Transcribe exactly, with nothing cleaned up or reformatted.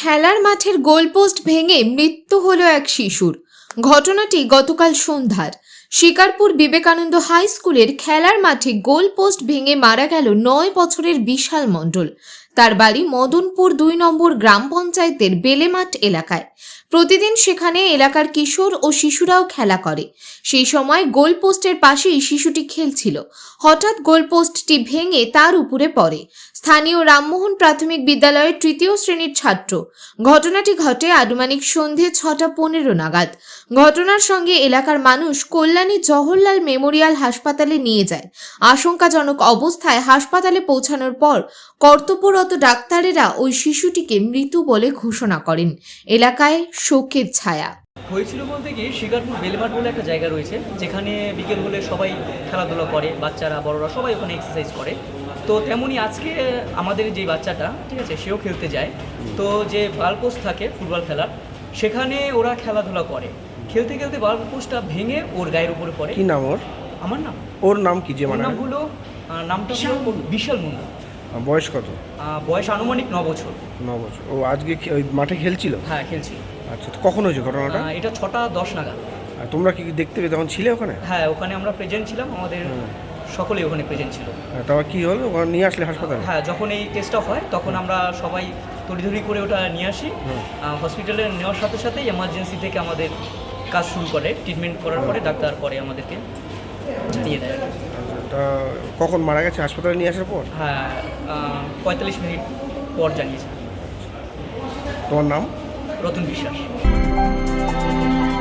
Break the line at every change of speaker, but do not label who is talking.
খেলার মাঠের গোলপোস্ট ভেঙে মৃত্যু হলো এক শিশুর। ঘটনাটি গতকাল সন্ধ্যার শিকারপুর বিবেকানন্দ হাই স্কুলের খেলার মাঠে গোলপোস্ট ভেঙে মারা গেল নয় বছরের বিশাল মণ্ডল। তার বাড়ি মদনপুর দুই নম্বর গ্রাম পঞ্চায়েতের বেলেমাঠ এলাকায়। প্রতিদিন সেখানে এলাকার কিশোর ও শিশুরাও খেলা করে। সেই সময় গোলপোস্টের পাশেই শিশুটি খেলছিল। হঠাৎ গোলপোস্টটি ভেঙে তার উপরে পড়ে। স্থানীয় রামমোহন প্রাথমিক বিদ্যালয়ের তৃতীয় শ্রেণীর ছাত্র। ঘটনাটি ঘটে আনুমানিক সন্ধে ছটা পনেরো নাগাদ। ঘটনার সঙ্গে এলাকার মানুষ কল্যাণী জওহরলাল মেমোরিয়াল হাসপাতালে নিয়ে যায়। আশঙ্কাজনক অবস্থায় হাসপাতালে পৌঁছানোর পর কর্তব্যরত ডাক্তারেরা ওই শিশুটিকে মৃত বলে ঘোষণা করেন। এলাকায় শোকের ছায়া।
হয়েছিল বলতে কি, শিকারপুর বেলেমাঠ বলে একটা জায়গা রয়েছে, যেখানে বিকেল হলে সবাই খেলাধুলা করে, বাচ্চারা বড়রা সবাই ওখানে এক্সারসাইজ করে। তো তেমনই আজকে আমাদের যে বাচ্চাটা, ঠিক আছে, সেও খেলতে যায়। তো যে বালপোস্ট থাকে ফুটবল খেলার, সেখানে ওরা খেলাধুলা করে। খেলতে খেলতে বালপোস্টটা ভেঙে ওর গায়ের উপরে পড়ে।
কি নাম ওর?
আমার নাম
ওর নাম কি? যে
ওর
মানে
নাম হলো আহ, নামটা হলো বিশাল মুন্ডা।
বয়স কত?
আহ, বয়স আনুমানিক ন বছর।
ন বছর। ও আজকে কি ওই মাঠে খেলছিল?
হ্যাঁ, খেলছিল।
আচ্ছা, তো কখন হয়েছে ঘটনাটা?
আহ, এটা ছটা দশ নাগাদ।
আর তোমরা কি দেখতে পেয়ে তখন ছিলে ওখানে?
হ্যাঁ, ওখানে আমরা প্রেজেন্ট ছিলাম, আমাদের সকলেই ওখানে প্রেজেন্ট ছিল।
হ্যাঁ, তারপর কি হলো? ওখানে নিয়ে আসলে হাসপাতালে?
হ্যাঁ, যখন এই কেসটা হয় তখন আমরা সবাই তড়িঘড়ি করে ওটা নিয়ে আসি। হসপিটালে নেওয়ার সাথে সাথেই এমার্জেন্সি থেকে আমাদের কাজ শুরু করে। ট্রিটমেন্ট করার পরে ডাক্তার পরে আমাদেরকে জানিয়ে দেয়।
আচ্ছা, তা কখন মারা গেছে হাসপাতালে নিয়ে আসার পর?
হ্যাঁ, পঁয়তাল্লিশ মিনিট পর জানিয়েছে।
তোমার নাম?
রতন বিশ্বাস।